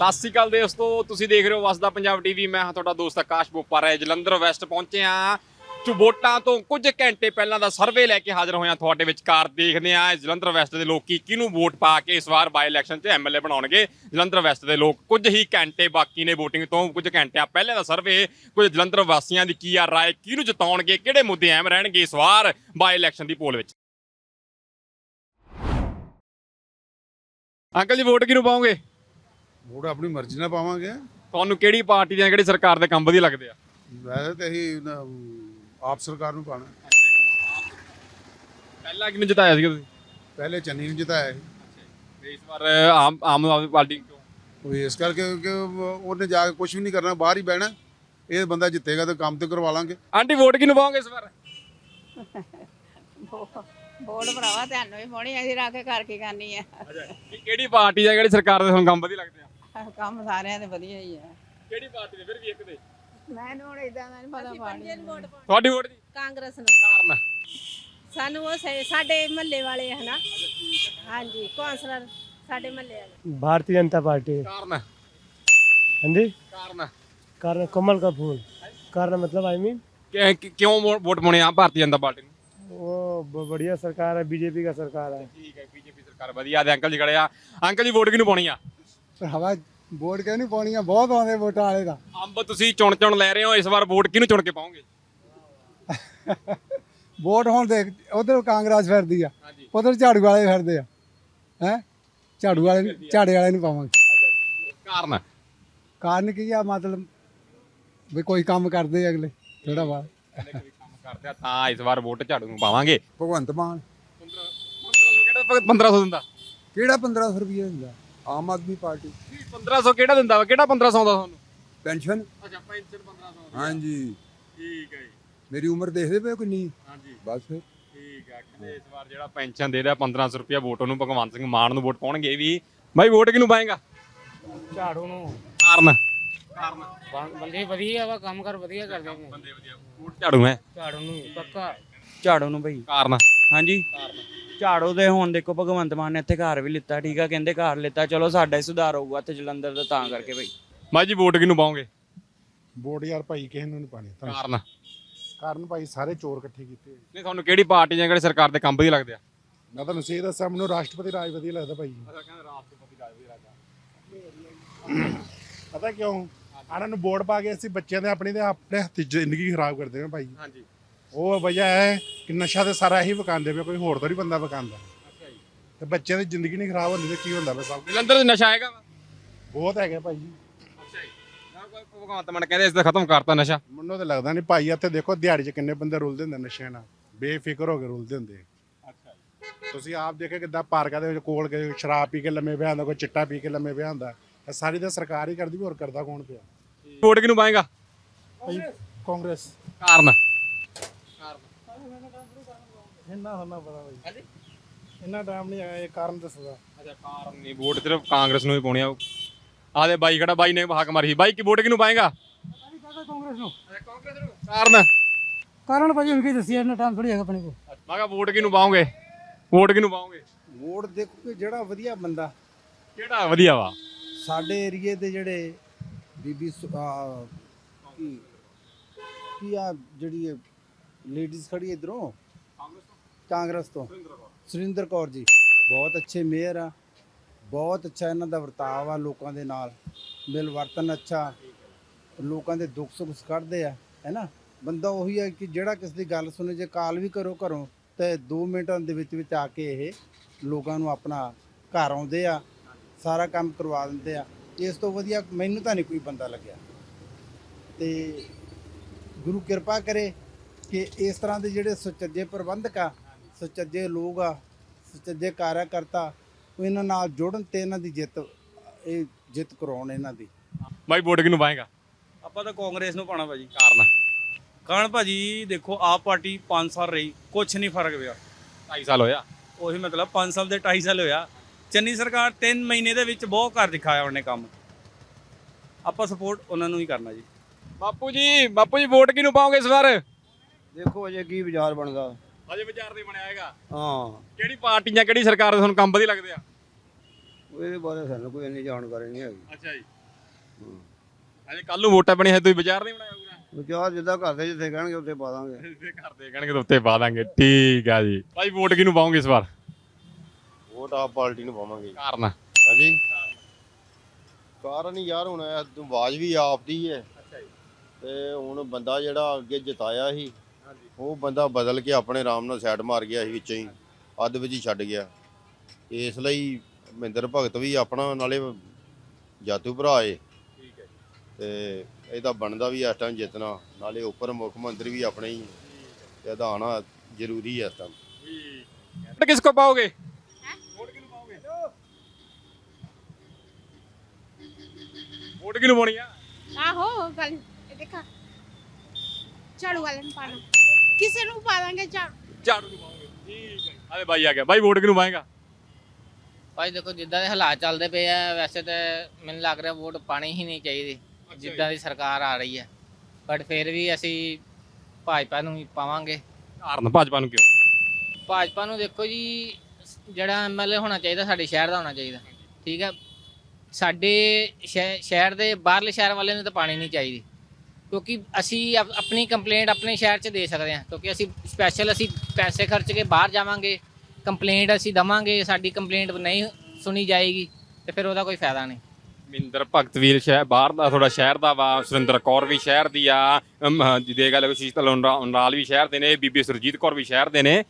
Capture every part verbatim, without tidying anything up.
ਸਤਿ ਸ਼੍ਰੀ ਅਕਾਲ ਦੋਸਤੋ, ਤੁਸੀਂ ਦੇਖ ਰਹੇ ਹੋ ਵਸਦਾ ਪੰਜਾਬ ਟੀਵੀ। ਮੈਂ ਹਾਂ ਤੁਹਾਡਾ ਦੋਸਤ ਆਕਾਸ਼ ਬੋਪਾਰਾ। ਜਲੰਧਰ ਵੈਸਟ ਪਹੁੰਚੇ ਹਾਂ। ਵੋਟਾਂ ਤੋਂ ਕੁਝ ਘੰਟੇ ਪਹਿਲਾਂ ਦਾ ਸਰਵੇ ਲੈ ਕੇ ਹਾਜ਼ਰ ਹੋਏ ਹਾਂ ਤੁਹਾਡੇ ਵਿਚਕਾਰ। ਦੇਖਦੇ ਹਾਂ ਜਲੰਧਰ ਵੈਸਟ ਦੇ ਲੋਕੀ ਕਿਹਨੂੰ ਵੋਟ ਪਾ ਕੇ ਇਸ ਵਾਰ ਬਾਈ ਇਲੈਕਸ਼ਨ 'ਚ ਐਮਐਲਏ ਬਣਾਉਣਗੇ। ਜਲੰਧਰ ਵੈਸਟ ਦੇ ਲੋਕ, ਕੁਝ ਹੀ ਘੰਟੇ ਬਾਕੀ ਨੇ ਵੋਟਿੰਗ ਤੋਂ, ਕੁਝ ਘੰਟਿਆਂ ਪਹਿਲੇ ਦਾ ਸਰਵੇ, ਕੁਝ ਜਲੰਧਰ ਵਾਸੀਆਂ ਦੀ ਕੀ ਆ ਰਾਏ, ਕਿਹਨੂੰ ਜਿਤਾਉਣਗੇ, ਕਿਹੜੇ ਮੁੱਦੇ ਅਹਿਮ ਰਹਿਣਗੇ ਇਸ ਵਾਰ ਬਾਈ ਇਲੈਕਸ਼ਨ ਦੀ ਪੋਲ ਵਿੱਚ। ਅੰਕਲ ਜੀ, ਵੋਟ ਕਿਹਨੂੰ ਪਾਓਗੇ? ਵੋਟ ਆਪਣੀ ਮਰਜ਼ੀ ਨਾਲ ਪਾਵਾਂਗੇ। ਤੁਹਾਨੂੰ ਕਿਹੜੀ ਪਾਰਟੀ ਜਾਂ ਕਿਹੜੀ ਸਰਕਾਰ ਦੇ ਕੰਮ ਵਧੀਆ ਲੱਗਦੇ ਆ? ਵੈਸੇ ਤਾਂ ਇਹੀ ਨਾ, ਆਪ ਸਰਕਾਰ ਨੂੰ ਪਾਣਾ। ਪਹਿਲਾਂ ਕਿਹਨੂੰ ਜਿਤਾਇਆ ਸੀਗਾ ਤੁਸੀਂ? ਪਹਿਲੇ ਚੰਨੀ ਨੂੰ ਜਿਤਾਇਆ ਸੀ। ਤੇ ਇਸ ਵਾਰ ਆਮ ਆਮ ਆਦਮੀ ਪਾਰਟੀ ਕਿਉਂ? ਉਹ ਇਸ ਕਰਕੇ ਕਿ ਉਹਨੇ ਜਾ ਕੇ ਕੁਝ ਵੀ ਨਹੀਂ ਕਰਨਾ, ਬਾਹਰ ਹੀ ਬਹਿਣਾ। ਇਹ ਬੰਦਾ ਜਿੱਤੇਗਾ ਤਾਂ ਕੰਮ ਤੇ ਕਰਵਾ ਲਾਂਗੇ। ਆਂਟੀ, ਵੋਟ ਕਿਹਨੂੰ ਪਾਓਗੇ ਇਸ ਵਾਰ? ਵੋਟ ਭਰਾਵਾ ਤੁਹਾਨੂੰ ਵੀ ਪਾਉਣੀ, ਅਸੀਂ ਰੱਖ ਕੇ ਘਰ ਕੀ ਕਰਨੀ ਆ। ਕਿਹੜੀ ਪਾਰਟੀ ਜਾਂ ਕਿਹੜੀ ਸਰਕਾਰ ਦੇ ਤੁਹਾਨੂੰ ਕੰਮ ਵਧੀਆ ਲੱਗਦੇ ਆ? ਕੰਮ ਸਾਰਿਆਂ ਦੇ ਵਧੀਆ ਹੀ ਆ। ਕਿਹੜੀ ਪਾਰਟੀ ਦੇ ਫਿਰ ਵੀ ਇੱਕ ਦੇ? ਮੈਨੂੰ ਹੁਣ ਇਦਾਂ ਦਾ ਨਹੀਂ ਪਤਾ ਪਾਣੀ। ਤੁਹਾਡੀ ਵੋਟ ਜੀ? ਕਾਂਗਰਸ ਨੂੰ। ਕਾਰਨ? ਸਾਨੂੰ ਉਹ ਸੇ- ਸਾਡੇ ਮਹੱਲੇ ਵਾਲੇ ਹੈ ਨਾ। ਹਾਂਜੀ, ਕੌਂਸਲਰ ਸਾਡੇ ਮਹੱਲੇ ਵਾਲੇ। भारतीय जनता पार्टी। ਕਾਰਨ? हाँ जी। ਕਾਰਨ कारण कमल का फूल। कारण मतलब आई मीन ਕਿ- ਕਿ- ਕਿਉਂ ਵੋ- ਵੋਟ ਪਾਉਣੇ ਆ ਭਾਰਤੀ ਜਨਤਾ ਪਾਰਟੀ ਨੂੰ? वो ब- बढ़िया सरकार है, बीजेपी का सरकार है। ਠੀਕ ਹੈ, ਬੀਜੇਪੀ ਸਰਕਾਰ ਵਧੀਆ। ਤੇ ਅੰਕਲ ਜੀ ਖੜੇ ਆ। ਅੰਕਲ ਜੀ, ਵੋਟ ਕਿਹਨੂੰ ਪਾਉਣੀ ਆ? ਭਰਾਵਾ ਵੋਟ ਕਿਉਂ ਨਹੀਂ ਪਾਉਣੀ ਆ? ਬਹੁਤ ਆਉਂਦੇ ਵੋਟਾਂ ਵਾਲੇ ਦਾ। ਅੰਬ ਤੁਸੀਂ ਚੁਣ ਚੁਣ ਲੈ ਰਹੇ ਹੋ, ਇਸ ਵਾਰ ਵੋਟ ਕਿਹਨੂੰ ਚੁਣ ਕੇ ਪਾਓਗੇ? ਵੋਟ ਹੁਣ ਦੇਖ, ਉਧਰ ਕਾਂਗਰਸ ਫਿਰਦੀ ਆ, ਹਾਂਜੀ। ਉਧਰ ਝਾੜੂ ਵਾਲੇ ਫਿਰਦੇ ਆ। ਹੈ ਝਾੜੂ ਵਾਲੇ ਨੂੰ- ਝਾੜੇ ਵਾਲੇ ਨੂੰ ਪਾਵਾਂਗੇ। ਕਾਰਨ? ਕਾਰਨ ਕੀ ਆ? ਮਤਲਬ ਵੀ ਕੋਈ ਕੰਮ ਕਰਦੇ ਆ ਅਗਲੇ ਥੋੜਾ ਬਾਅਦ। ਕੰਮ ਕਰਦੇ ਆ ਤਾਂ ਇਸ ਵਾਰ ਵੋਟ ਝਾੜੂ ਨੂੰ ਪਾਵਾਂਗੇ। ਭਗਵੰਤ ਮਾਨ ਪੰਦਰਾਂ ਸੌ ਦਿੰਦਾ? ਕਿਹੜਾ ਪੰਦਰਾਂ ਸੌ ਰੁਪਏ ਦਿੰਦਾ? ਆਮ ਆਦਮੀ ਪਾਰਟੀ। ਪੰਦਰਾਂ ਸੌ ਕਿਹੜਾ ਦਿੰਦਾ ਵਾ? ਕਿਹੜਾ ਪੰਦਰਾਂ ਸੌ ਦਾ ਤੁਹਾਨੂੰ? ਪੈਨਸ਼ਨ। ਅੱਛਾ, ਪੈਨਸ਼ਨ ਪੰਦਰਾਂ ਸੌ। ਹਾਂਜੀ, ਠੀਕ ਹੈ ਜੀ। ਮੇਰੀ ਉਮਰ ਦੇਖਦੇ ਪਏ ਕਿੰਨੀ? ਹਾਂਜੀ, ਬਸ ਫਿਰ ਠੀਕ ਹੈ। ਕਹਿੰਦੇ ਇਸ ਵਾਰ ਜਿਹੜਾ ਪੈਨਸ਼ਨ ਦੇ ਰਿਹਾ ਪੰਦਰਾਂ ਸੌ ਰੁਪਇਆ, ਵੋਟ ਉਹਨੂੰ ਭਗਵੰਤ ਸਿੰਘ ਮਾਨ ਨੂੰ ਵੋਟ ਪਾਉਣਗੇ ਵੀ। ਬਾਈ, ਵੋਟ ਕਿਹਨੂੰ ਪਾਏਗਾ? झाड़ू नु। ਕਾਰਨ? ਕਾਰਨ? बंदे ਵਧੀਆ ਵਾ, ਕੰਮ ਕਰ ਵਧੀਆ ਕਰਦੇ ਨੇ। ਬੰਦੇ ਵਧੀਆ, ਵੋਟ ਝਾੜੂ ਹੈ। ਝਾੜੂ ਨੂੰ ਪੱਕਾ। ਝਾੜੂ ਨੂੰ ਭਾਈ। ਕਾਰਨ? ਹਾਂਜੀ, ਝਾੜੂ ਦੇ ਹੁਣ ਦੇਖੋ ਭਗਵੰਤ ਮਾਨ ਨੇ ਇੱਥੇ ਘਰ ਵੀ ਲਿੱਤਾ, ਠੀਕ ਆ, ਕਹਿੰਦੇ ਘਰ ਲਿੱਤਾ, ਚਲੋ ਸਾਡਾ ਹੀ ਸੁਧਾਰ ਹੋਊਗਾ ਇੱਥੇ ਜਲੰਧਰ ਦਾ, ਤਾਂ ਕਰਕੇ ਭਾਈ। ਬਾਈ ਜੀ, ਵੋਟ ਕਿਹਨੂੰ ਪਾਓਗੇ? ਵੋਟ ਯਾਰ ਭਾਈ ਕਿਸੇ ਨੂੰ ਨਹੀਂ ਪਾਣੀ। ਕਾਰਨ? ਕਾਰਨ ਭਾਈ ਸਾਰੇ ਚੋਰ ਇਕੱਠੇ ਕੀਤੇ। ਨਹੀਂ, ਤੁਹਾਨੂੰ ਕਿਹੜੀ ਪਾਰਟੀ ਜਾਂ ਕਿਹੜੀ ਸਰਕਾਰ ਦੇ ਕੰਮ ਵਧੀਆ ਲੱਗਦੇ ਆ? ਮੈਂ ਤੁਹਾਨੂੰ ਸਹੀ ਦੱਸਾਂ, ਮੈਨੂੰ ਰਾਸ਼ਟਰਪਤੀ ਰਾਜ ਵਧੀਆ ਲੱਗਦਾ ਭਾਈ। ਅੱਛਾ, ਕਹਿੰਦੇ ਰਾਸ਼ਟਰਪਤੀ ਰਾਜ ਵਧੀਆ ਲੱਗਦਾ। ਪਤਾ ਕਿਉਂ? ਇਹਨਾਂ ਨੂੰ ਵੋਟ ਪਾ ਕੇ ਅਸੀਂ ਬੱਚਿਆਂ ਦੇ ਆਪਣੀ ਦੇ ਆਪਣੇ ਹੱਥੀ ਜ਼ਿੰਦਗੀ ਖਰਾਬ ਕਰਦੇ ਹਾਂ ਭਾਈ। ਹਾਂਜੀ। ਉਹ ਵਜ੍ਹਾ ਹੈ ਕਿ ਨਸ਼ਾ ਤੇ ਸਾਰਾ ਇਹੀ ਵਿਕਾਉਂਦੇ ਪਏ, ਕੋਈ ਹੋਰ ਤਾਂ ਨਹੀਂ ਬੰਦਾ ਵਿਕਾਉਂਦਾ। ਅੱਛਾ ਜੀ। ਤੇ ਬੱਚਿਆਂ ਦੀ ਜ਼ਿੰਦਗੀ ਨਹੀਂ ਖਰਾਬ ਹੁੰਦੀ ਤੇ ਕੀ ਹੁੰਦਾ ਬਸ। ਸਭ ਜਲੰਧਰ 'ਚ ਨਸ਼ਾ ਹੈਗਾ ਵਾ? ਬਹੁਤ ਹੈਗਾ ਭਾਈ। ਅੱਛਾ ਜੀ। ਨਾ ਕੋਈ ਭਗਵੰਤ ਮਾਨ ਕਹਿੰਦੇ ਇਸ ਦਾ ਖਤਮ ਕਰਤਾ ਨਸ਼ਾ। ਮੈਨੂੰ ਤਾਂ ਲੱਗਦਾ ਨਹੀਂ ਭਾਈ। ਇੱਥੇ ਦੇਖੋ ਦਿਹਾੜੀ 'ਚ ਕਿੰਨੇ ਬੰਦੇ ਰੁਲਦੇ ਹੁੰਦੇ ਨਸ਼ਿਆਂ ਨਾਲ, ਬੇਫਿਕਰ ਹੋ ਕੇ ਰੁਲਦੇ ਹੁੰਦੇ। ਅੱਛਾ ਜੀ। ਤੁਸੀਂ ਆਪ ਦੇਖੇ ਕਿੱਦਾਂ ਪਾਰਕਾਂ ਦੇ ਵਿੱਚ ਕੋਲ ਕੇ ਸ਼ਰਾਬ ਪੀ ਕੇ ਲੰਮੇ ਪਿਆ ਹੁੰਦਾ, ਕੋਈ ਚਿੱਟਾ ਪੀ ਕੇ ਲੰਮੇ ਪਿਆ ਹੁੰਦਾ। ਇਹ ਸਾਰੀ ਤਾਂ ਸਰਕਾਰ ਹੀ ਕਰਦੀ, ਹੋਰ ਕਰਦਾ ਕੌਣ ਪਿਆ? ਵੋਟ ਕਿਹਨੂੰ ਪਾਏਗਾ? ਕਾਂਗਰਸ। ਕਾਰਨ? ਇੰਨਾ ਹੋਣਾ ਪਤਾ ਭਾਈ। ਇੰਨਾ ਟਾਈਮ ਨਹੀਂ ਆਇਆ, ਇਹ ਕਾਰਨ ਦੱਸਦਾ। ਅੱਛਾ, ਕਾਰਨ ਨਹੀਂ, ਵੋਟ ਸਿਰਫ ਕਾਂਗਰਸ ਨੂੰ ਹੀ ਪਾਉਣੀ ਆ। ਆਦੇ ਬਾਈ ਖੜਾ, ਬਾਈ ਨੇ ਹੱਕ ਮਾਰੀ। ਬਾਈ, ਕੀ ਵੋਟ ਕਿਹਨੂੰ ਪਾਏਗਾ? कांग्रेस नु। ਕਾਂਗਰਸ ਨੂੰ। ਕਾਰਨ? कारण भाई उनकी दसी इतना टाइम थोड़ी है अपने को। ਮੈਂ ਕਿਹਾ ਵੋਟ ਕਿਹਨੂੰ ਪਾਓਗੇ? ਵੋਟ ਕਿਹਨੂੰ ਪਾਓਗੇ? ਵੋਟ ਦੇਖੋ ਕਿ ਜਿਹੜਾ ਵਧੀਆ ਬੰਦਾ ਕਿਹੜਾ ਵਧੀਆ ਵਾ? ਸਾਡੇ ਏਰੀਏ ਦੇ ਜਿਹੜੇ ਬੀਬੀ ਸੁ- ਆਹ ਕੀ ਕੀ ਆ ਜਿਹੜੀ ਲੇਡੀਜ਼ ਖੜੀ ਇਧਰੋਂ ਕਾਂਗਰਸ ਤੋਂ, ਸੁਰਿੰਦਰ ਕੌਰ ਜੀ, ਬਹੁਤ ਅੱਛੇ ਮੇਅਰ ਆ। ਬਹੁਤ ਅੱਛਾ ਇਹਨਾਂ ਦਾ ਵਰਤਾਵ ਆ ਲੋਕਾਂ ਦੇ ਨਾਲ, ਮਿਲ ਵਰਤਨ ਅੱਛਾ, ਲੋਕਾਂ ਦੇ ਦੁੱਖ ਸੁੱਖ ਕੱਢਦੇ ਆ, ਹੈ ਨਾ। ਬੰਦਾ ਉਹੀ ਹੈ ਕਿ ਜਿਹੜਾ ਕਿਸੇ ਦੀ ਗੱਲ ਸੁਣੇ, ਜੇ ਕਾਲ ਵੀ ਕਰੋ ਘਰੋਂ ਤੇ ਦੋ ਮਿੰਟਾਂ ਦੇ ਵਿੱਚ ਵਿੱਚ ਆ ਕੇ ਇਹ ਲੋਕਾਂ ਨੂੰ ਆਪਣਾ ਘਰ ਆਉਂਦੇ ਆ, ਸਾਰਾ ਕੰਮ ਕਰਵਾ ਦਿੰਦੇ ਆ। ਇਸ ਤੋਂ ਵਧੀਆ ਮੈਨੂੰ ਤਾਂ ਨਹੀਂ ਕੋਈ ਬੰਦਾ ਲੱਗਿਆ। ਤੇ ਗੁਰੂ ਕਿਰਪਾ ਕਰੇ ਕਿ ਇਸ ਤਰ੍ਹਾਂ ਦੇ ਜਿਹੜੇ ਸੁਚੱਜੇ ਪ੍ਰਬੰਧਕ ਆ, ਸੁਚੱਜੇ ਲੋਕ ਆ, ਸੁਚੱਜੇ ਕਾਰਿਆਕਰਤਾ, ਉਹ ਇਹਨਾਂ ਨਾਲ ਜੁੜਨ ਤੇ ਇਹਨਾਂ ਦੀ ਜਿੱਤ, ਇਹ ਜਿੱਤ ਕਰਾਉਣ ਇਹਨਾਂ ਦੀ। ਬਾਈ, ਵੋਟ ਕਿਹਨੂੰ ਪਾਏਗਾ? ਆਪਾਂ ਤਾਂ ਕਾਂਗਰਸ ਨੂੰ ਪਾਉਣਾ ਭਾਜੀ। ਕਾਰਨ? ਕਾਰਨ ਭਾਜੀ ਦੇਖੋ, ਆਪ ਪਾਰਟੀ ਪੰਜ ਸਾਲ ਰਹੀ, ਕੁਛ ਨਹੀਂ ਫਰਕ ਪਿਆ। ਢਾਈ ਸਾਲ ਹੋਇਆ। ਉਹੀ ਮਤਲਬ ਪੰਜ ਸਾਲ ਦੇ ਢਾਈ ਸਾਲ ਹੋਇਆ। ਚੰਨੀ ਸਰਕਾਰ ਤਿੰਨ ਮਹੀਨੇ ਦੇ ਵਿੱਚ ਬਹੁਤ ਕਰ ਦਿਖਾਇਆ ਉਹਨੇ ਕੰਮ। ਆਪਾਂ ਸਪੋਰਟ ਉਹਨਾਂ ਨੂੰ ਹੀ ਕਰਨਾ ਜੀ। ਬਾਪੂ ਜੀ, ਬਾਪੂ ਜੀ, ਵੋਟ ਕਿਹਨੂੰ ਪਾਓਗੇ ਇਸ ਵਾਰ? ਦੇਖੋ ਅਜੇ ਕੀ ਵਿਚਾਰ ਬਣਦਾ। ਅਜੇ ਵਿਚਾਰ ਨਹੀਂ ਬਣਿਆ ਹੈਗਾ। ਹਾਂ, ਕਿਹੜੀ ਪਾਰਟੀ ਜਾਂ ਕਿਹੜੀ ਸਰਕਾਰ ਦੇ ਤੁਹਾਨੂੰ ਕੰਮ ਵਧੀਆ ਲੱਗਦੇ ਆ? ਇਹਦੇ ਬਾਰੇ ਸਾਨੂੰ ਕੋਈ ਇੰਨੀ ਜਾਣਕਾਰੀ ਨਹੀਂ ਹੈਗੀ। ਅੱਛਾ ਜੀ ਅਜੇ ਕੱਲ ਨੂੰ ਵੋਟਾਂ ਬਣੀ ਹੈ ਤੁਸੀਂ ਬਾਜ਼ਾਰ ਨਹੀਂ ਬਣਾਇਆ ਪੂਰਾ ਵਿਚਾਰ ਜਿੱਦਾਂ ਘਰ ਦੇ ਜਿੱਥੇ ਕਹਿਣਗੇ ਉੱਥੇ ਪਾ ਦਾਂਗੇ। ਤੇ ਘਰ ਦੇ ਕਹਿਣਗੇ ਤਾਂ ਉੱਤੇ ਪਾ ਦਾਂਗੇ। ਠੀਕ ਆ ਜੀ ਭਾਈ ਵੋਟ ਕਿਹਨੂੰ ਪਾਉਂਗੇ ਇਸ ਵਾਰ? ਵੋਟ ਆਪ ਪਾਰਟੀ ਨੂੰ ਪਾਵਾਂਗੇ। ਕਾਰਨ ਹਾਂਜੀ ਕਾਰਨ ਹੀ ਯਾਰ ਹੁਣ ਆਵਾਜ਼ ਵੀ ਆਪ ਦੀ ਹੈ ਤੇ ਹੁਣ ਬੰਦਾ ਜਿਹੜਾ ਅੱਗੇ ਜਿਤਾਇਆ ਸੀ ਉਹ ਬੰਦਾ ਬਦਲ ਕੇ ਆਪਣੇ ਆਰਾਮ ਨਾਲ ਸਾਈਡ ਮਾਰ ਗਿਆ ਸੀ ਵਿੱਚੋਂ ਹੀ ਅੱਧ ਵਿੱਚ ਹੀ ਛੱਡ ਗਿਆ। ਇਸ ਲਈ ਮਹਿੰਦਰ ਭਗਤ ਵੀ ਆਪਣਾ ਨਾਲੇ ਜਾਤੂ ਭਰਾ ਏ ਤੇ ਇਹਦਾ ਬਣਦਾ ਵੀ ਇਸ ਟਾਈਮ ਜਿੱਤਣਾ, ਨਾਲੇ ਉੱਪਰ ਮੁੱਖ ਮੰਤਰੀ ਵੀ ਆਪਣੇ ਹੀ ਇਹਦਾ ਆਉਣਾ ਜ਼ਰੂਰੀ ਹੈ ਇਸ ਟਾਈਮ। ਕਿਸ ਕੋ ਪਾਓਗੇ? ਵੋਟ ਕਿਹਨੂੰ ਪਾਓਗੇ? ਵੋਟ ਕਿਹਨੂੰ ਪਾਉਣੀ ਆ? ਆਹੋ ਗੱਲ ਦੇਖਾ ਝਾੜੂ ਵਾਲੇ ਨੂੰ ਪਾਣਾ, ਕਿਸੇ ਨੂੰ ਪਾ ਦਾਂਗੇ ਝਾੜੂ। ਝਾੜੂ ਨੂੰ ਪਾਓਗੇ? ਠੀਕ ਹੈ। ਆਲੇ ਬਾਈ ਆ ਗਿਆ। ਬਾਈ ਵੋਟ ਕਿਹਨੂੰ ਪਾਏਗਾ? ਭਾਈ ਦੇਖੋ ਜਿੱਦਾਂ ਦੇ ਹਾਲਾਤ ਚੱਲਦੇ ਪਏ ਆ ਵੈਸੇ ਤਾਂ ਮੈਨੂੰ ਲੱਗ ਰਿਹਾ ਵੋਟ ਪਾਣੀ ਹੀ ਨਹੀਂ ਚਾਹੀਦੀ ਜਿੱਦਾਂ ਦੀ ਸਰਕਾਰ ਆ ਰਹੀ ਹੈ, ਬਟ ਫਿਰ ਵੀ ਅਸੀਂ ਭਾਜਪਾ ਨੂੰ ਹੀ ਪਾਵਾਂਗੇ। ਕਾਰਨ ਭਾਜਪਾ ਨੂੰ ਕਿਉਂ? ਭਾਜਪਾ ਨੂੰ ਦੇਖੋ ਜੀ ਜਿਹੜਾ ਐਮਐਲਏ ਹੋਣਾ ਚਾਹੀਦਾ ਸਾਡੇ ਸ਼ਹਿਰ ਦਾ ਹੋਣਾ ਚਾਹੀਦਾ, ਠੀਕ ਹੈ। ਸਾਡੇ ਸ਼ਹਿ- ਸ਼ਹਿਰ ਦੇ ਬਾਹਰਲੇ ਸ਼ਹਿਰ ਵਾਲੇ ਨੂੰ ਤਾਂ ਪਾਣੀ ਨਹੀਂ ਚਾਹੀਦੀ ਕਿਉਂਕਿ ਅਸੀਂ ਆਪ- ਆਪਣੀ ਕੰਪਲੇਂਟ ਆਪਣੇ ਸ਼ਹਿਰ 'ਚ ਦੇ ਸਕਦੇ ਹਾਂ ਕਿਉਂਕਿ ਅਸੀਂ ਸਪੈਸ਼ਲ ਅਸੀਂ ਪੈਸੇ ਖਰਚ ਕੇ ਬਾਹਰ ਜਾਵਾਂਗੇ, ਕੰਪਲੇਂਟ ਅਸੀਂ ਦਵਾਂਗੇ, ਸਾਡੀ ਕੰਪਲੇਂਟ ਨਹੀਂ ਸੁਣੀ ਜਾਏਗੀ ਤੇ ਫਿਰ ਉਹਦਾ ਕੋਈ ਫਾਇਦਾ ਨਹੀਂ। ਮਹਿੰਦਰ ਭਗਤ ਵੀਰ ਸ਼ਹਿਰ ਬਾਹਰ ਦਾ ਥੋੜਾ ਸ਼ਹਿਰ ਦਾ ਵਾ, ਸੁਰਿੰਦਰ ਕੌਰ ਵੀ ਸ਼ਹਿਰ ਦੀ ਆ, ਜਿਹਦੇ ਗੱਲ ਸ਼ੀਤਲ ਉਨਰਾਲ ਵੀ ਸ਼ਹਿਰ ਦੇ ਨੇ, ਬੀਬੀ ਸੁਰਜੀਤ ਕੌਰ ਵੀ ਸ਼ਹਿਰ ਦੇ ਨੇ।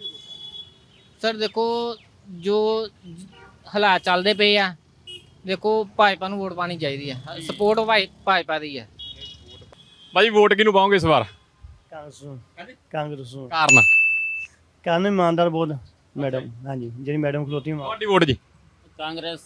ਸਰ ਦੇਖੋ ਜੋ ਹਾਲਾਤ ਚੱਲਦੇ ਪਏ ਆ ਦੇਖੋ ਭਾਜਪਾ ਨੂੰ ਵੋਟ ਪਾਣੀ ਚਾਹੀਦੀ ਹੈ, ਸਪੋਰਟ ਭਾਜਪਾ ਦੀ ਹੈ। ਬਾਈ ਵੋਟ ਕਿਹਨੂੰ ਪਾਓਗੇ ਇਸ ਵਾਰ? ਕਾਂਗਰਸ ਨੂੰ। ਕਾਂਗਰਸ ਨੂੰ। ਕਾਰਨ ਕਾਰਨ ਇਮਾਨਦਾਰ ਬਹੁਤ ਮੈਡਮ, ਹਾਂਜੀ ਜਿਹੜੀ ਮੈਡਮ ਖਲੋਤੀ ਹੈ। ਤੁਹਾਡੀ ਵੋਟ ਜੀ? ਕਾਂਗਰਸ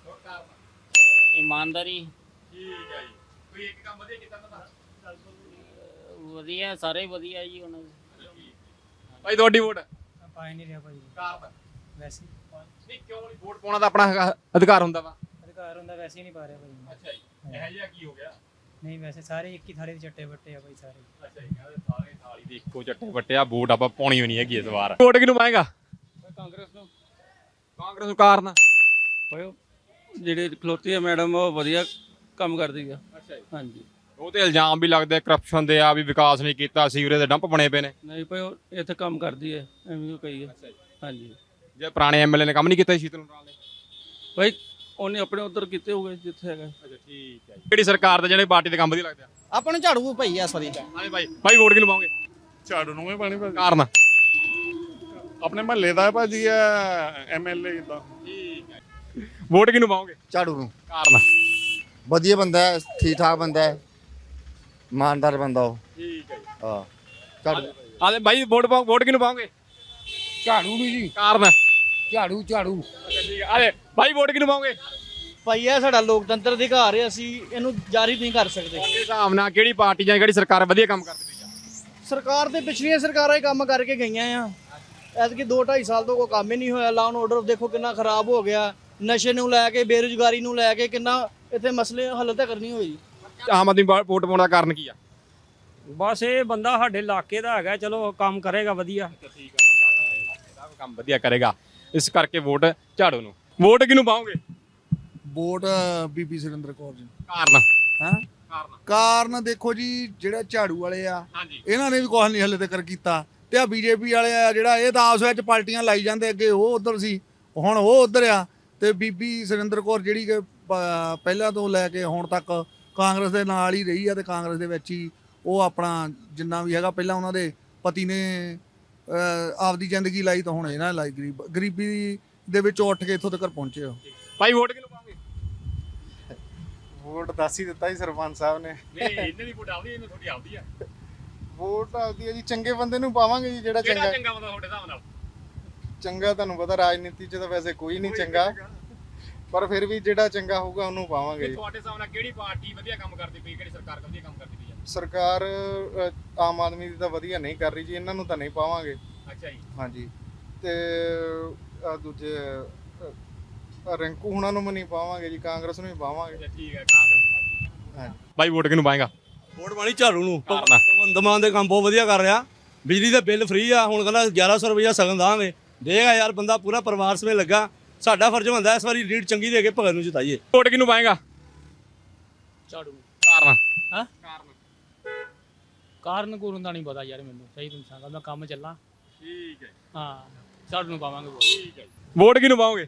ਇਮਾਨਦਾਰੀ। ਠੀਕ ਹੈ ਜੀ। ਕੋਈ ਇੱਕ ਕੰਮ ਵਧੀਆ ਕੀਤਾ ਤਾਂ ਵਧੀਆ, ਸਾਰੇ ਵਧੀਆ ਜੀ। ਹੁਣ ਭਾਈ ਤੁਹਾਡੀ ਵੋਟ? ਪਾਈ ਨਹੀਂ ਰਿਹਾ ਭਾਈ ਕਾਰਨ ਵੈਸੇ ਨਹੀਂ ਕਿਉਂ ਨਹੀਂ? ਵੋਟ ਪਾਉਣਾ ਤਾਂ ਆਪਣਾ ਹੈਗਾ, ਅਧਿਕਾਰ ਹੁੰਦਾ ਵਾ। ਅਧਿਕਾਰ ਹੁੰਦਾ ਵੈਸੇ ਹੀ ਨਹੀਂ ਪਾ ਰਿਹਾ ਭਾਈ। ਅੱਛਾ ਜੀ ਇਹ ਜਿਹਾ ਕੀ ਹੋ ਗਿਆ? ਨਹੀਂ ਵੈਸੇ ਸਾਰੇ ਇੱਕ ਹੀ ਥਾਲੀ ਦੇ ਚੱਟੇ ਬੱਟੇ ਆ ਭਾਈ ਸਾਰੇ। ਅੱਛਾ ਜੀ ਕਹਿੰਦੇ ਸਾਰੇ ਥਾਲੀ ਦੇ ਇੱਕੋ ਚੱਟੇ ਵੱਟੇ ਆ। ਵੋਟ ਆਪਾਂ ਪਾਉਣੀ ਹੋਣੀ ਹੈਗੀ ਇਸ ਵਾਰ। ਵੋਟ ਕਿਹਨੂੰ ਪਾਏਗਾ? ਕਾਂਗਰਸ ਨੂੰ। ਕਾਂਗਰਸ ਨੂੰ। ਕਾਰਨ ਭਾਈ ਜਿਹੜੇ ਖਲੋਤੀ ਹੈ ਮੈਡਮ ਉਹ ਵਧੀਆ ਕੰਮ ਕਰਦੀ ਆ। ਅੱਛਾ ਜੀ। ਹਾਂਜੀ ਉਹ ਤੇ ਇਲਜ਼ਾਮ ਵੀ ਲੱਗਦੇ ਕਰਪਸ਼ਨ ਦੇ ਆ ਵੀ ਵਿਕਾਸ ਨਹੀਂ ਕੀਤਾ, ਸੀਵਰੇਜ ਦੇ ਡੰਪ ਬਣੇ ਪਏ ਨੇ। ਨਹੀਂ ਭਾਈ ਉਹ ਇੱਥੇ ਕੰਮ ਕਰਦੀ ਹੈ ਐਵੇਂ ਕਹੀ ਹੈ। ਹਾਂਜੀ ਜੇ ਪੁਰਾਣੇ ਐਮਐਲਏ ਨੇ ਕੰਮ ਨਹੀਂ ਕੀਤਾ ਸ਼ੀਤਲ ਉਨਰਾਲ ਨੇ? ਭਾਈ ਉਹਨੇ ਆਪਣੇ ਉਧਰ ਕੀਤੇ ਹੋਗੇ ਜਿੱਥੇ ਹੈਗਾ। ਅੱਛਾ ਠੀਕ ਹੈ ਜੀ। ਕਿਹੜੀ ਸਰਕਾਰ ਦੇ ਜਿਹੜੇ ਪਾਰਟੀ ਦੇ ਕੰਮ ਵਧੀਆ ਲੱਗਦੇ ਆ? ਆਪਾਂ ਨੂੰ ਝਾੜੂ ਭਾਈ ਆ ਸਰੀ ਹਾਂਜੀ ਭਾਈ। ਭਾਈ ਵੋਟ ਕਿਹਨੂੰ ਪਾਓਗੇ? ਝਾੜੂ ਨੂੰ ਹੀ ਪਾਣੀ ਭਾਜੀ। ਕਾਰਨ ਆਪਣੇ ਮਹੱਲੇ ਦਾ ਭਾਜੀ ਆ ਐਮਐਲਏ ਦਾ। ਠੀਕ ਹੈ। ਵੋਟ ਕਿਹਨੂੰ ਪਾਓਗੇ? ਝਾੜੂ ਨੂੰ। ਕਾਰਨ ਵਧੀਆ ਬੰਦਾ ਹੈ, ਠੀਕ ਠਾਕ ਬੰਦਾ ਹੈ, ਇਮਾਨਦਾਰ ਬੰਦਾ ਉਹ। ਠੀਕ ਹੈ ਜੀ। ਹਾਂ ਝਾੜੂ। ਆਲੇ ਬਾਈ ਵੋਟ ਪਾਓ। ਵੋਟ ਕਿਹਨੂੰ ਪਾਓਗੇ? ਝਾੜੂ ਨੂੰ ਜੀ। ਕਾਰਨ ਝਾੜੂ ਝਾੜੂ ਅੱਛਾ ਠੀਕ ਹੈ। ਆਲੇ ਬਾਈ ਵੋਟ ਕਿਹਨੂੰ ਪਾਓਗੇ? ਭਾਈ ਇਹ ਸਾਡਾ ਲੋਕਤੰਤਰ ਅਧਿਕਾਰ ਹੈ, ਅਸੀਂ ਇਹਨੂੰ ਜਾਰੀ ਨਹੀਂ ਕਰ ਸਕਦੇ। ਤੁਹਾਡੇ ਹਿਸਾਬ ਨਾਲ ਕਿਹੜੀ ਪਾਰਟੀ ਜਾਂ ਕਿਹੜੀ ਸਰਕਾਰ ਵਧੀਆ ਕੰਮ ਕਰਦੀ ਪਈ ਆ? ਸਰਕਾਰ ਤੇ ਪਿਛਲੀਆਂ ਸਰਕਾਰਾਂ ਹੀ ਕੰਮ ਕਰਕੇ ਗਈਆਂ ਆ, ਐਤਕੀ ਦੋ ਢਾਈ ਸਾਲ ਤੋਂ ਕੋਈ ਕੰਮ ਹੀ ਨਹੀਂ ਹੋਇਆ। ਲਾਅ ਐਂਡ ਆਰਡਰ ਦੇਖੋ ਕਿੰਨਾ ਖਰਾਬ ਹੋ ਗਿਆ, ਨਸ਼ੇ ਨੂੰ ਲੈ ਕੇ, ਬੇਰੁਜ਼ਗਾਰੀ ਨੂੰ ਲੈ ਕੇ ਕਿੰਨਾ ਇੱਥੇ ਮਸਲੇ ਹੱਲ ਤਾਂ ਕਰਨੀ ਹੋਈ। ਆਮ ਆਦਮੀ ਪਾ- ਵੋਟ ਪਾਉਣ ਦਾ ਕਾਰਨ ਕੀ ਆ? ਬਸ ਇਹ ਬੰਦਾ ਸਾਡੇ ਇਲਾਕੇ ਦਾ ਹੈਗਾ, ਚਲੋ ਕੰਮ ਕਰੇਗਾ ਵਧੀਆ। ਠੀਕ ਆ, ਕੰਮ ਵਧੀਆ ਕਰੇਗਾ ਇਸ ਕਰਕੇ ਵੋਟ ਝਾੜੂ ਨੂੰ। ਵੋਟ ਕਿਹਨੂੰ ਪਾਓਗੇ? ਵੋਟ ਬੀਬੀ ਸੁਰਿੰਦਰ ਕੌਰ ਜੀ। ਕਾਰਨ ਹਾਂ ਕਾਰਨ ਕਾਰਨ ਦੇਖੋ ਜੀ ਜਿਹੜੇ ਝਾੜੂ ਵਾਲੇ ਆ ਹਾਂਜੀ ਇਹਨਾਂ ਨੇ ਵੀ ਕੁਛ ਨਹੀਂ ਹਲੇ ਤੱਕ ਕੀਤਾ, ਤੇ ਆ ਬੀਜੇਪੀ ਵਾਲੇ ਆ ਜਿਹੜਾ ਇਹ ਤਾਂ ਆਪਸ ਵਿੱਚ ਪਾਰਟੀਆਂ ਲਾਈ ਜਾਂਦੇ, ਅੱਗੇ ਉਹ ਉਧਰ ਸੀ ਹੁਣ ਉਹ ਉਧਰ ਆ, ਤੇ ਬੀਬੀ ਸੁਰਿੰਦਰ ਕੌਰ ਜਿਹੜੀ ਕਿ ਪ- ਪਹਿਲਾਂ ਤੋਂ ਲੈ ਕੇ ਹੁਣ ਤੱਕ ਕਾਂਗਰਸ ਦੇ ਨਾਲ ਹੀ ਰਹੀ ਆ ਤੇ ਕਾਂਗਰਸ ਦੇ ਵਿੱਚ ਹੀ ਉਹ ਆਪਣਾ ਜਿੰਨਾ ਵੀ ਹੈਗਾ, ਪਹਿਲਾਂ ਉਹਨਾਂ ਦੇ ਪਤੀ ਨੇ ਅਹ, ਆਪਦੀ ਜ਼ਿੰਦਗੀ ਲਾਈ ਤਾਂ ਹੁਣ ਇਹਨਾਂ ਨੇ ਲਾਈ ਗਰੀਬ ਗਰੀਬੀ ਦੇ ਵਿੱਚੋਂ ਉੱਠ ਕੇ ਇੱਥੋਂ ਤੱਕ ਪਹੁੰਚੇ ਹੋ। ਭਾਈ ਵੋਟ ਕਿਹਨੂੰ ਪਾਓਗੇ? ਵੋਟ ਦੱਸ ਹੀ ਦਿੱਤਾ ਜੀ ਸਰਪੰਚ ਸਾਹਿਬ ਨੇ। ਨਹੀਂ ਇਹਨਾਂ ਦੀ ਵੋਟ ਆਉਂਦੀ, ਇਹਨਾਂ ਤੁਹਾਡੀ ਆਉਂਦੀ ਆ। ਵੋਟ ਆਉਂਦੀ ਹੈ ਜੀ ਚੰਗੇ ਬੰਦੇ ਨੂੰ ਪਾਵਾਂਗੇ ਜੀ, ਜਿਹੜਾ ਕਿਹੜਾ ਚੰਗਾ ਚੰਗਾ ਬੰਦਾ ਤੁਹਾਡੇ ਹਿਸਾਬ ਨਾਲ? ਚੰਗਾ ਤੁਹਾਨੂੰ ਪਤਾ ਰਾਜਨੀਤੀ 'ਚ ਤਾਂ ਵੈਸੇ ਕੋਈ ਨਹੀਂ ਚੰਗਾ, ਪਰ ਫਿਰ ਵੀ ਜਿਹੜਾ ਚੰਗਾ ਹੋਊਗਾ ਉਹਨੂੰ ਪਾਵਾਂਗੇ ਜੀ। ਤੁਹਾਡੇ ਹਿਸਾਬ ਨਾਲ ਕਿਹੜੀ ਪਾਰਟੀ ਵਧੀਆ ਕੰਮ ਕਰਦੀ ਪਈ, ਕਿਹੜੀ ਸਰਕਾਰ ਵਧੀਆ ਕੰਮ ਕਰਦੀ ਪਈ ਆ? ਸਰਕਾਰ ਅ, ਆਮ ਆਦਮੀ ਦੀ ਤਾਂ ਵਧੀਆ ਨਹੀਂ ਕਰ ਰਹੀ ਜੀ, ਇਹਨਾਂ ਨੂੰ ਤਾਂ ਨਹੀਂ ਪਾਵਾਂਗੇ। ਅੱਛਾ ਜੀ। ਹਾਂਜੀ ਤੇ ਆਹ ਦੂਜੇ ਅ, ਰਿੰਕੂ ਹੁਣਾਂ ਨੂੰ ਵੀ ਨਹੀਂ ਪਾਵਾਂਗੇ ਜੀ, ਕਾਂਗਰਸ ਨੂੰ ਹੀ ਪਾਵਾਂਗੇ। ਅੱਛਾ ਠੀਕ ਹੈ। ਕਾਂਗਰਸ ਹਾਂਜੀ। ਭਾਈ ਵੋਟ ਕਿਹਨੂੰ ਪਾਏਗਾ? ਵੋਟ ਪਾਣੀ ਝਾੜੂ ਨੂੰ। ਕਾਰਨ? ਭਗਵੰਤ ਮਾਨ ਦੇ ਕੰਮ ਬਹੁਤ ਵਧੀਆ ਕਰ ਰਿਹਾ, ਬਿਜਲੀ ਦਾ ਬਿੱਲ ਫ੍ਰੀ ਆ, ਹੁਣ ਕਹਿੰਦਾ ਗਿਆਰਾਂ ਸੌ ਰੁਪਈਆ ਸਗਨ ਦਾਂਗੇ, ਦੇਗਾ ਯਾਰ ਬੰਦਾ ਪੂਰਾ ਪਰਿਵਾਰ ਸਮੇਤ ਲੱਗਾ, ਸਾਡਾ ਫਰਜ਼ ਹੁੰਦਾ ਇਸ ਵਾਰੀ ਲੀਡ ਚੰਗੀ ਦੇ ਕੇ ਭਗਤ ਨੂੰ ਜਿਤਾਈਏ। ਵੋਟ ਕਿਹਨੂੰ ਪਾਏਗਾ? ਝਾੜੂ। ਕਾਰਨ ਹਾਂ ਕਾਰਨ ਕਾਰਨ ਕੂਰਨ ਦਾ ਨਹੀਂ ਪਤਾ ਯਾਰ ਮੈਨੂੰ, ਸਹੀ ਤੁਹਾਨੂੰ ਦੱਸਾਂ ਮੈਂ ਕੰਮ ਚੱਲਾਂ। ਠੀਕ ਹੈ, ਹਾਂ ਝਾੜੂ ਨੂੰ ਪਾਵਾਂਗੇ ਵੋਟ। ਠੀਕ ਹੈ। ਵੋਟ ਕਿਹਨੂੰ ਪਾਓਗੇ?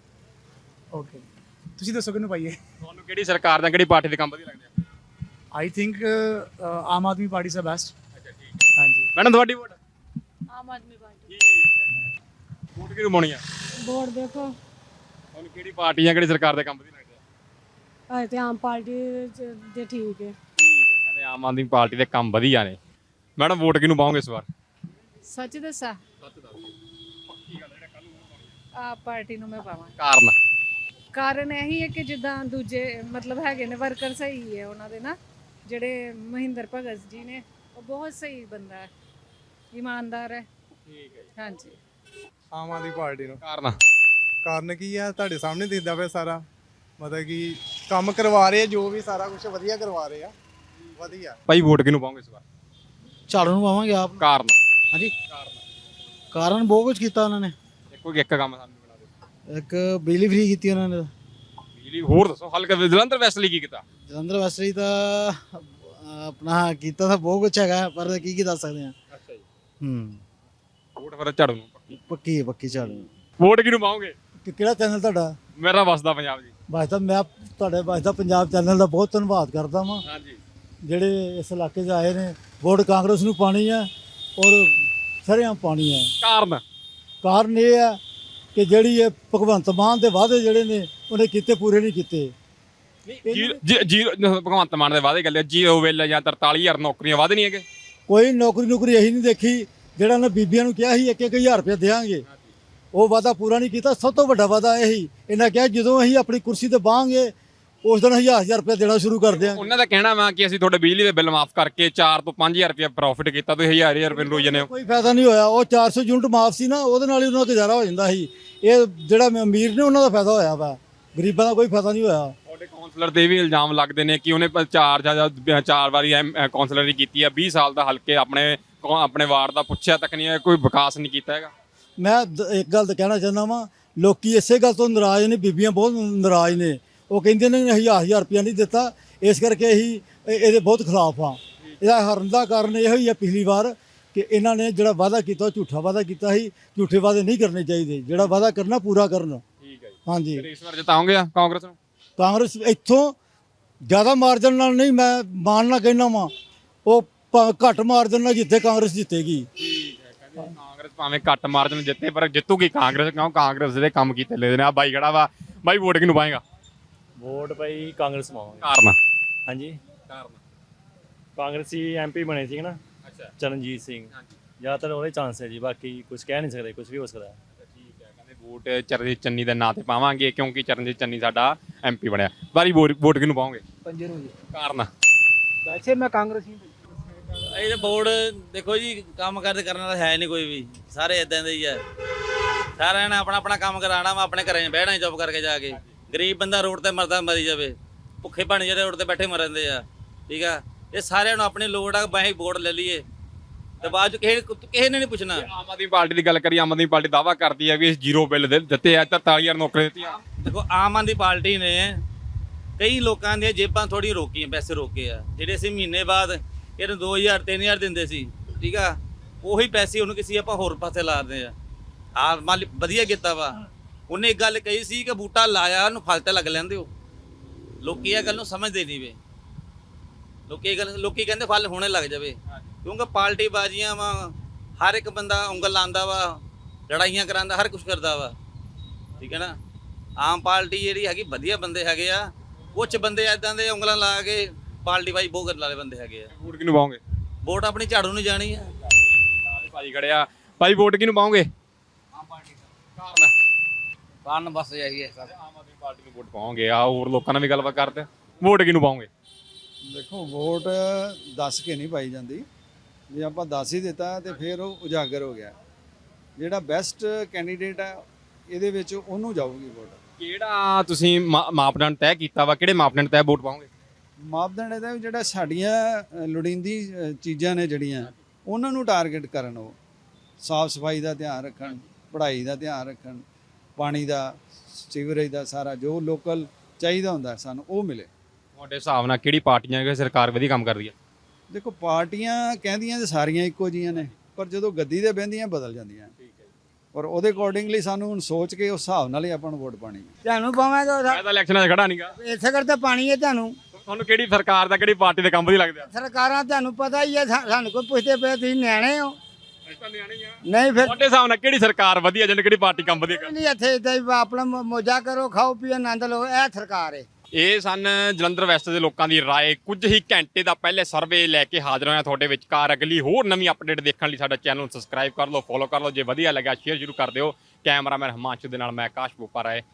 ਓਕੇ, ਤੁਸੀਂ ਦੱਸੋ ਕਿਹਨੂੰ ਪਾਈਏ? ਤੁਹਾਨੂੰ ਕਿਹੜੀ ਸਰਕਾਰ ਦਾ ਕਿਹੜੀ ਪਾਰਟੀ ਦੇ ਕੰਮ ਵਧੀਆ ਲੱਗਦੇ ਆ? ਆਈ ਥਿੰਕ ਆਮ ਆਦਮੀ ਪਾਰਟੀ ਸੇ ਬੈਸਟ। ਅੱਛਾ ਠੀਕ ਹੈ। ਹਾਂਜੀ ਮੈਡਮ ਤੁਹਾਡੀ ਵੋਟ? ਆਮ ਆਦਮੀ ਪਾਰਟੀ। ਠੀਕ ਹੈ। ਵੋਟ ਕਿਹਨੂੰ ਪਾਉਣੀ ਆ? ਵੋਟ ਦੇਖੋ ਤੁਹਾਨੂੰ ਕਿਹੜੀ ਪਾਰਟੀ ਜਾਂ ਕਿਹੜੀ ਸਰਕਾਰ ਦੇ ਕੰਮ ਵਧੀਆ ਲੱਗਦੇ ਆ? ਅਜੇ ਤੇ ਆਮ ਪਾਰਟੀ ਦੇ ਠੀਕ ਹੈ। ਠੀਕ ਹੈ, ਕਹਿੰਦੇ ਆਮ ਆਦਮੀ ਪਾਰਟੀ ਦੇ ਕੰਮ ਵਧੀਆ ਨੇ। ਮੈਡਮ ਵੋਟ ਕਿਹਨੂੰ ਪਾਓਗੇ ਇਸ ਵਾਰ? ਸੱਚ ਦੱਸਾਂ ਸੱਚ ਦੱਸ ਦਿਓ। ਪੱਕੀ ਗੱਲ, ਜਿਹੜਾ ਕੱਲ ਨੂੰ ਵੋਟ ਪਾਉਣੀ ਆ। ਆਪ ਪਾਰਟੀ ਨੂੰ ਮੈਂ ਪਾਵਾਂ। ਕਾਰਨ ਕਾਰਨ ਇਹੀ ਹੈ ਕਿ ਜਿੱਦਾਂ ਦੂਜੇ ਮਤਲਬ ਹੈਗੇ ਨੇ ਵਰਕਰ ਸਹੀ ਹੈ ਉਹਨਾਂ ਦੇ ਨਾ, ਜਿਹੜੇ ਮਹਿੰਦਰ ਭਗਤ ਜੀ ਨੇ ਉਹ ਬਹੁਤ ਸਹੀ ਬੰਦਾ ਹੈ, ਇਮਾਨਦਾਰ ਹੈ। ਠੀਕ ਹੈ। ਹਾਂਜੀ ਆਮ ਆਦਮੀ ਪਾਰਟੀ ਨੂੰ। ਕਾਰਨ ਕਾਰਨ ਕੀ ਆ, ਤੁਹਾਡੇ ਸਾਹਮਣੇ ਦਿਖਦਾ ਪਿਆ ਸਾਰਾ, ਮਤਲਬ ਕਿ ਕੰਮ ਕਰਵਾ ਰਹੇ ਆ, ਜੋ ਵੀ ਸਾਰਾ ਕੁਝ ਵਧੀਆ ਕਰਵਾ ਰਹੇ ਆ, ਵਧੀਆ। ਭਾਈ ਵੋਟ ਕਿਹਨੂੰ ਪਾਓਗੇ ਇਸ ਵਾਰ? ਝਾੜੂ ਨੂੰ ਪਾਵਾਂਗੇ ਆਪ। ਕਾਰਨ ਹਾਂਜੀ ਕਾਰਨ ਕਾਰਨ ਬਹੁਤ ਕੁਝ ਕੀਤਾ ਉਹਨਾਂ ਨੇ। ਦੇਖੋ ਇੱਕ ਕੰਮ ਸਾਨੂੰ ਬਣਾ ਦਿਓ। ਇੱਕ ਬਿਜਲੀ ਫ੍ਰੀ ਕੀਤੀ ਉਹਨਾਂ ਨੇ। ਬਿਜਲੀ ਹੋਰ ਦੱਸੋ, ਹਲਕਾ ਜਲੰਧਰ ਵੈਸਟ ਲਈ ਕੀ ਕੀਤਾ? ਜਲੰਧਰ ਵੈਸਟਰੀ ਤਾਂ ਆਪਣਾ ਕੀਤਾ ਤਾਂ ਬਹੁਤ ਕੁਝ ਹੈਗਾ, ਪਰ ਕੀ ਕੀ ਦੱਸ ਸਕਦੇ ਆ। ਅੱਛਾ ਜੀ। ਹੂੰ ਵੋਟ ਫਿਰ ਝਾੜੂ ਨੂੰ ਪੱਕੀ। ਪੱਕੀ ਪੱਕੀ ਝਾੜੂ। ਵੋਟ ਕਿਹਨੂੰ ਪਾਓਗੇ? ਕਿਹੜਾ ਚੈਨਲ ਤੁਹਾਡਾ? ਮੇਰਾ ਵਸਦਾ ਪੰਜਾਬ ਜੀ। ਵਸਦਾ, ਮੈਂ ਤੁਹਾਡੇ ਵਸਦਾ ਪੰਜਾਬ ਚੈਨਲ ਦਾ ਬਹੁਤ ਧੰਨਵਾਦ ਕਰਦਾ ਵਾਂ, ਹਾਂਜੀ। ਜਿਹੜੇ ਇਸ ਇਲਾਕੇ 'ਚ ਆਏ ਨੇ। ਵੋਟ ਕਾਂਗਰਸ ਨੂੰ ਪਾਣੀ ਆ ਔਰ ਸਰੇਆਮ ਪਾਣੀ ਆ। ਕਾਰਨ ਕਾਰਨ ਇਹ ਆ ਕਿ ਜਿਹੜੀ ਇਹ ਭਗਵੰਤ ਮਾਨ ਦੇ ਵਾਅਦੇ ਜਿਹੜੇ ਨੇ ਉਹਨੇ ਕੀਤੇ, ਪੂਰੇ ਨਹੀਂ ਕੀਤੇ। ਜੀਰੋ ਭਗਵੰਤ ਮਾਨ ਦੇ ਵਾਅਦੇ ਗੱਲ ਜੀਰੋ ਵੇਲੇ ਜਾਂ ਤਰਤਾਲੀ ਹਜ਼ਾਰ ਨੌਕਰੀਆਂ ਵਾਅਦੇ ਨਹੀਂ ਹੈਗੇ। ਕੋਈ ਨੌਕਰੀ ਨੌਕਰੀ ਇਹੀ ਨਹੀਂ ਦੇਖੀ ਜਿਹੜਾ ਉਹਨੇ ਬੀਬੀਆਂ ਨੂੰ ਕਿਹਾ ਸੀ ਇੱਕ ਇੱਕ ਹਜ਼ਾਰ ਰੁਪਏ ਦੇਵਾਂਗੇ, ਉਹ ਵਾਅਦਾ ਪੂਰਾ ਨਹੀਂ ਕੀਤਾ। ਸਭ ਤੋਂ ਵੱਡਾ ਵਾਅਦਾ ਇਹੀ ਇਹਨਾਂ ਕਿਹਾ ਜਦੋਂ ਅਸੀਂ ਆਪਣੀ ਕੁਰਸੀ ਤੇ ਬਹਾਂਗੇ ਉਸ ਦਿਨ ਹਜ਼ਾਰ ਹਜ਼ਾਰ ਰੁਪਏ ਦੇਣਾ ਸ਼ੁਰੂ ਕਰ ਦਿਆਂਗੇ। ਉਹਨਾਂ ਦਾ ਕਹਿਣਾ ਵਾ ਕਿ ਅਸੀਂ ਤੁਹਾਡੇ ਬਿਜਲੀ ਦੇ ਬਿੱਲ ਮਾਫ ਕਰਕੇ ਚਾਰ ਤੋਂ ਪੰਜ ਹਜ਼ਾਰ ਰੁਪਏ ਪ੍ਰੋਫਿਟ ਕੀਤਾ, ਤੁਸੀਂ ਹਜ਼ਾਰ ਹਜ਼ਾਰ ਰੁਪਏ ਰੋਈ ਜਾਂਦੇ ਹੋ। ਕੋਈ ਫਾਇਦਾ ਨਹੀਂ ਹੋਇਆ। ਉਹ ਚਾਰ ਸੌ ਯੂਨਿਟ ਮਾਫ ਸੀ ਨਾ, ਉਹਦੇ ਨਾਲ ਹੀ ਉਹਨਾਂ ਦਾ ਗੁਜ਼ਾਰਾ ਹੋ ਜਾਂਦਾ ਸੀ। ਇਹ ਜਿਹੜਾ ਅਮੀਰ ਨੇ ਉਹਨਾਂ ਦਾ ਫਾਇਦਾ ਹੋਇਆ ਵਾ, ਗਰੀਬਾਂ ਦਾ ਕੋਈ ਫਾਇਦਾ ਨਹੀਂ ਹੋਇਆ। ਤੁਹਾਡੇ ਕਾਉਂਸਲਰ ਤੇ ਵੀ ਇਲਜ਼ਾਮ ਲੱਗਦੇ ਨੇ ਕਿ ਉਹਨੇ ਚਾਰ ਜਾਂ ਚਾਰ ਵਾਰੀ ਕਾਉਂਸਲਰੀ ਕੀਤੀ ਆ, ਵੀਹ ਸਾਲ ਦਾ ਹਲਕੇ ਆਪਣੇ ਆਪਣੇ ਵਾਰਡ ਦਾ ਪੁੱਛਿਆ ਤੱਕ ਨਹੀਂ ਹੈ, ਕੋਈ ਵਿਕਾਸ ਨਹੀਂ ਕੀਤਾ ਹੈਗਾ। ਮੈਂ ਦ- ਇੱਕ ਗੱਲ ਤਾਂ ਕਹਿਣਾ ਚਾਹੁੰਦਾ ਵਾਂ, ਲੋਕੀ ਇਸੇ ਗੱਲ ਤੋਂ ਨਾਰਾਜ਼ ਨੇ, ਬੀਬੀਆਂ ਬਹੁਤ ਨਾਰਾਜ਼ ਨੇ। ਉਹ ਕਹਿੰਦੇ ਨੇ ਹਜ਼ਾਰ ਹਜ਼ਾਰ ਰੁਪਇਆ ਨਹੀਂ ਦਿੱਤਾ, ਇਸ ਕਰਕੇ ਅਸੀਂ ਇਹ- ਇਹਦੇ ਬਹੁਤ ਖਿਲਾਫ ਆ। ਇਹਦਾ ਹਰਨ ਦਾ ਕਾਰਨ ਇਹੋ ਹੀ ਆ ਪਿਛਲੀ ਵਾਰ ਕਿ ਇਹਨਾਂ ਨੇ ਜਿਹੜਾ ਵਾਅਦਾ ਕੀਤਾ ਉਹ ਝੂਠਾ ਵਾਅਦਾ ਕੀਤਾ ਸੀ। ਝੂਠੇ ਵਾਅਦੇ ਨਹੀਂ ਕਰਨੇ ਚਾਹੀਦੇ, ਜਿਹੜਾ ਵਾਅਦਾ ਕਰਨਾ ਪੂਰਾ ਕਰਨ। ਠੀਕ ਹੈ ਜੀ। ਹਾਂਜੀ ਫਿਰ ਇਸ ਵਾਰ ਜਿਤਾਉਂਗੇ ਆ ਕਾਂਗਰਸ ਨੂੰ? ਕਾਂਗਰਸ ਇੱਥੋਂ ਜ਼ਿਆਦਾ ਮਾਰਜਨ ਨਾਲ ਨਹੀਂ, ਮੈਂ ਮਾਨਣਾ ਕਹਿਣਾ ਵਾਂ, ਉਹ ਭਾਵੇਂ ਘੱਟ ਮਾਰਜਨ ਨਾਲ ਜਿੱਤੇ ਕਾਂਗਰਸ ਜਿੱਤੇਗੀ। ਠੀਕ ਹੈ, ਕਹਿੰਦੇ ਕਾਂਗਰਸ ਭਾਵੇਂ ਘੱਟ ਮਾਰਜਨ ਜਿੱਤੇ ਪਰ ਜਿੱਤੂਗੀ ਕਾਂਗਰਸ, ਕਿਉਂ ਕਾਂਗਰਸ ਦੇ ਕੰਮ ਕੀਤੇ ਲੈ ਨੇ। ਆ ਬਾਈ ਖੜਾ ਵਾ, ਬਾਈ ਵੋਟ ਕਿਹਨੂੰ ਪਾਏਗਾ? ਵੋਟ ਭਾਈ ਕਾਂਗਰਸ ਪਾਵਾਂਗੇ। ਕਾਰਨ ਹਾਂਜੀ ਕਾਰਨ ਕਾਂਗਰਸੀ ਐਮਪੀ ਬਣੇ ਸੀ ਨਾ ਅੱਛਾ ਚਰਨਜੀਤ ਸਿੰਘ, ਹਾਂਜੀ ਜ਼ਿਆਦਾਤਰ ਉਹਦੇ ਚਾਂਸ ਹੈ ਜੀ, ਬਾਕੀ ਕੁਝ ਕਹਿ ਨਹੀਂ ਸਕਦੇ, ਕੁਝ ਵੀ ਹੋ ਸਕਦਾ ਹੈ। ਠੀਕ ਹੈ, ਕਹਿੰਦੇ ਵੋਟ ਚਰਨਜੀਤ ਚੰਨੀ ਦੇ ਨਾਂ ਤੇ ਪਾਵਾਂਗੇ ਕਿਉਂਕਿ ਚਰਨਜੀਤ ਚੰਨੀ ਸਾਡਾ ਐਮਪੀ ਬਣਿਆ। ਬਾਰੀ ਵੋਟ ਵੋਟ ਕਿਹਨੂੰ ਪਾਓਗੇ? ਪੰਜੇ ਨੂੰ ਜੀ ਕਾਰਨ ਵੈਸੇ ਮੈਂ ਕਾਂਗਰਸੀ। ਇਹ ਬੋਰਡ ਦੇਖੋ ਜੀ, ਕੰਮ ਕਰਦੇ ਕਰਨ ਵਾਲਾ ਹੈ ਨਹੀਂ ਕੋਈ ਵੀ, ਸਾਰੇ ਇਦਾਂ ਦੇ ਹੀ ਆ। ਸਾਰਿਆਂ ਨੇ ਆਪਣਾ ਆਪਣਾ ਕੰਮ ਕਰਾਉਣਾ ਵਾ, ਆਪਣੇ ਘਰੇ ਬਹਿਣਾ ਹੀ ਚੁੱਪ ਕਰਕੇ ਜਾ ਕੇ। ਗਰੀਬ ਬੰਦਾ ਰੋਡ ਤੇ ਮਰਦਾ ਮਰੀ ਜਾਵੇ, ਭੁੱਖੇ ਭਾਣੇ ਜਿਹੜੇ ਰੋਡ ਤੇ ਬੈਠੇ ਮਰਦੇ ਆ। ਠੀਕ ਆ, ਇਹ ਸਾਰਿਆਂ ਨੂੰ ਆਪਣੀ ਲੋੜ ਆ, ਬਾਈ ਵੋਟ ਲੈ ਲਈਏ ਤੇ ਬਾਅਦ ਚ ਕਿਸੇ ਕਿਸੇ ਨੇ ਨਹੀਂ ਪੁੱਛਣਾ। ਆਮ ਆਦਮੀ ਪਾਰਟੀ ਦੀ ਗੱਲ ਕਰੀ, ਆਮ ਆਦਮੀ ਪਾਰਟੀ ਦਾਅਵਾ ਕਰਦੀ ਹੈ ਵੀ ਇਸ ਜ਼ੀਰੋ ਬਿੱਲ ਦੇ ਦਿੱਤੇ ਆ, ਤਰਤਾਲੀ ਹਜ਼ਾਰ ਨੌਕਰੀ ਦਿੱਤੀਆਂ। ਦੇਖੋ ਆਮ ਆਦਮੀ ਪਾਰਟੀ ਨੇ ਕਈ ਲੋਕਾਂ ਦੀਆਂ ਜੇਬਾਂ ਥੋੜੀ ਰੋਕੀਆਂ, ਪੈਸੇ ਰੋਕੇ ਆ। ਜਿਹੜੇ ਅਸੀਂ ਮਹੀਨੇ ਬਾਅਦ ਇਹਨੂੰ ਦੋ ਹਜ਼ਾਰ ਤਿੰਨ ਹਜ਼ਾਰ ਦਿੰਦੇ ਸੀ, ਠੀਕ ਆ, ਉਹੀ ਪੈਸੇ ਉਹਨੂੰ ਕਿਸੇ ਆਪਾਂ ਹੋਰ ਪਾਸੇ ਲਾਦੇ ਆ। ਆ ਮਾਲੀ ਵਧੀਆ ਕੀਤਾ ਵਾ। ਉਹਨੇ ਇੱਕ ਗੱਲ ਕਹੀ ਸੀ ਕਿ ਬੂਟਾ ਲਾਇਆ ਉਹਨੂੰ ਫਲ ਤੇ ਲੱਗ ਲੈਂਦੇ ਹੋ। ਲੋਕੀ ਇਹ ਗੱਲ ਨੂੰ ਸਮਝਦੇ ਨਹੀਂ ਵੇ। ਲੋਕੀ ਇਹ ਗੱਲ ਲੋਕੀ ਕਹਿੰਦੇ ਫਲ ਹੋਣੇ ਲੱਗ ਜਾਵੇ, ਕਿਉਂਕਿ ਪਾਰਟੀ ਬਾਜ਼ੀਆਂ ਵਾ, ਹਰ ਇੱਕ ਬੰਦਾ ਉਂਗਲ ਲਾਉਂਦਾ ਵਾ, ਲੜਾਈਆਂ ਕਰਾਉਂਦਾ, ਹਰ ਕੁਝ ਕਰਦਾ ਵਾ। ਠੀਕ ਹੈ ਨਾ। ਆਮ ਪਾਰਟੀ ਜਿਹੜੀ ਹੈਗੀ ਵਧੀਆ ਬੰਦੇ ਹੈਗੇ ਆ, ਕੁਝ ਬੰਦੇ ਇਦਾਂ ਦੇ ਉਂਗਲਾਂ ਲਾ ਕੇ ਪਾਰਟੀ ਬਾਈ ਬਹੁਤ ਕਰਨ ਵਾਲੇ ਬੰਦੇ ਹੈਗੇ ਆ। ਵੋਟ ਕਿਹਨੂੰ ਪਾਓਗੇ? ਵੋਟ ਆਪਣੀ ਝਾੜੂ ਨੂੰ ਜਾਣੀ ਆ। ਭਾਈ ਖੜਿਆ, ਭਾਈ ਵੋਟ ਕਿਹਨੂੰ ਪਾਓਗੇ? ਆਮ ਪਾਰਟੀ ਕਾਰਨ ਕਾਰਨ ਬਸ ਇਹੀ ਹੈ। ਆਮ ਆਦਮੀ ਪਾਰਟੀ ਨੂੰ ਵੋਟ ਪਾਓਗੇ। ਆ ਹੋਰ ਲੋਕਾਂ ਨਾਲ ਵੀ ਗੱਲਬਾਤ ਕਰਦੇ, ਵੋਟ ਕਿਹਨੂੰ ਪਾਓਗੇ? ਦੇਖੋ ਵੋਟ ਦੱਸ ਕੇ ਨਹੀਂ ਪਾਈ ਜਾਂਦੀ, ਜੇ ਆਪਾਂ ਦੱਸ ਹੀ ਦਿੱਤਾ ਤੇ ਫਿਰ ਉਹ ਉਜਾਗਰ ਹੋ ਗਿਆ। ਜਿਹੜਾ ਬੈਸਟ ਕੈਂਡੀਡੇਟ ਹੈ ਇਹਦੇ ਵਿੱਚ ਉਹਨੂੰ ਜਾਊਗੀ ਵੋਟ। ਕਿਹੜਾ ਤੁਸੀਂ ਮਾ- ਮਾਪਦੰਡ ਤੈਅ ਕੀਤਾ ਵਾ, ਕਿਹੜੇ ਮਾਪਦੰਡ ਤੈਅ ਵੋਟ ਪਾਓਗੇ? ਮਾਪਦੰਡ ਇਹਦਾ ਵੀ ਜਿਹੜਾ ਸਾਡੀਆਂ ਅ, ਲੋੜੀਂਦੀ ਅ, ਚੀਜ਼ਾਂ ਨੇ ਜਿਹੜੀਆਂ ਉਹਨਾਂ ਨੂੰ ਟਾਰਗੇਟ ਕਰਨ। ਉਹ ਸਾਫ਼ ਸਫਾਈ ਦਾ ਧਿਆਨ ਰੱਖਣ, ਪੜ੍ਹਾਈ ਦਾ ਧਿਆਨ ਰੱਖਣ, ਪਾਣੀ ਦਾ, ਸੀਵਰੇਜ ਦਾ ਸਾਰਾ ਜੋ ਲੋਕਲ ਚਾਹੀਦਾ ਹੁੰਦਾ ਸਾਨੂੰ ਉਹ ਮਿਲੇ। ਤੁਹਾਡੇ ਹਿਸਾਬ ਨਾਲ ਕਿਹੜੀ ਪਾਰਟੀਆਂ ਕਿ ਸਰਕਾਰ ਵਧੀਆ ਕੰਮ ਕਰਦੀ ਹੈ? ਦੇਖੋ ਪਾਰਟੀਆਂ ਕਹਿੰਦੀਆਂ ਤੇ ਸਾਰੀਆਂ ਇੱਕੋ ਜੀਆਂ ਨੇ, ਪਰ ਜਦੋਂ ਗੱਦੀ ਤੇ ਬਹਿੰਦੀਆਂ ਬਦਲ ਜਾਂਦੀਆਂ। ਔਰ ਉਹਦੇ ਅਕੋਰਡਿੰਗਲੀ ਸਾਨੂੰ ਹੁਣ ਸੋਚ ਕੇ ਉਸ ਹਿਸਾਬ ਨਾਲ ਹੀ ਆਪਾਂ ਨੂੰ ਵੋਟ ਪਾਣੀ ਹੈ। ਤੁਹਾਨੂੰ ਪਾਵਾਂਗਾ ਮੈਂ ਤਾਂ ਇਲੈਕਸ਼ਨਾਂ 'ਚ ਖੜਾ ਨਹੀਂਗਾ। ਇਸੇ ਕਰਕੇ ਪਾਣੀ ਹੈ ਤੁਹਾਨੂੰ। ਤੁਹਾਨੂੰ ਕਿਹੜੀ ਸਰਕਾਰ ਦਾ ਕਿਹੜੀ ਪਾਰਟੀ ਦੇ ਕੰਮ ਵਧੀਆ ਲੱਗਦੇ ਆ? ਸਰਕਾਰਾਂ ਤੁਹਾਨੂੰ ਪਤਾ ਹੀ ਹੈ, ਸਾ- ਸਾਨੂੰ ਕੋਈ ਪੁੱਛਦੇ ਪਏ ਤੁਸੀਂ ਨਿਆਣੇ ਹੋ ਨਹੀਂ ਫਿਰ ਤੁਹਾਡੇ ਹਿਸਾਬ ਨਾਲ ਕਿਹੜੀ ਸਰਕਾਰ ਵਧੀਆ ਜਿਹਨੇ ਕਿਹੜੀ ਪਾਰਟੀ ਕੰਮ ਵਧੀਆ ਕਰਦੀ? ਨਹੀਂ ਇੱਥੇ ਇਦਾਂ ਹੀ ਆਪਣਾ ਮੌ- ਮੌਜਾਂ ਕਰੋ, ਖਾਓ ਪੀਓ, ਆਨੰਦ ਲਓ, ਇਹ ਸਰਕਾਰ ਹੈ। ਇਹ ਸਨ ਜਲੰਧਰ ਵੈਸਟ ਦੇ ਲੋਕਾਂ ਦੀ ਰਾਏ। ਕੁਝ ਹੀ ਘੰਟੇ ਦਾ ਪਹਿਲੇ ਸਰਵੇ ਲੈ ਕੇ ਹਾਜ਼ਰ ਹੋਇਆ ਤੁਹਾਡੇ ਵਿਚਕਾਰ। ਅਗਲੀ ਹੋਰ ਨਵੀਂ ਅਪਡੇਟ ਦੇਖਣ ਲਈ ਸਾਡਾ ਚੈਨਲ ਨੂੰ ਸਬਸਕ੍ਰਾਈਬ ਕਰ ਲਓ, ਫੋਲੋ ਕਰ ਲਓ। ਜੇ ਵਧੀਆ ਲੱਗਾ ਸ਼ੇਅਰ ਜ਼ਰੂਰ ਕਰ ਦਿਓ। ਕੈਮਰਾਮੈਨ ਹਿਮਾਂਸ਼ੂ ਦੇ ਨਾਲ ਮੈਂ ਆਕਾਸ਼ ਬੋਪਾ ਰਾਏ।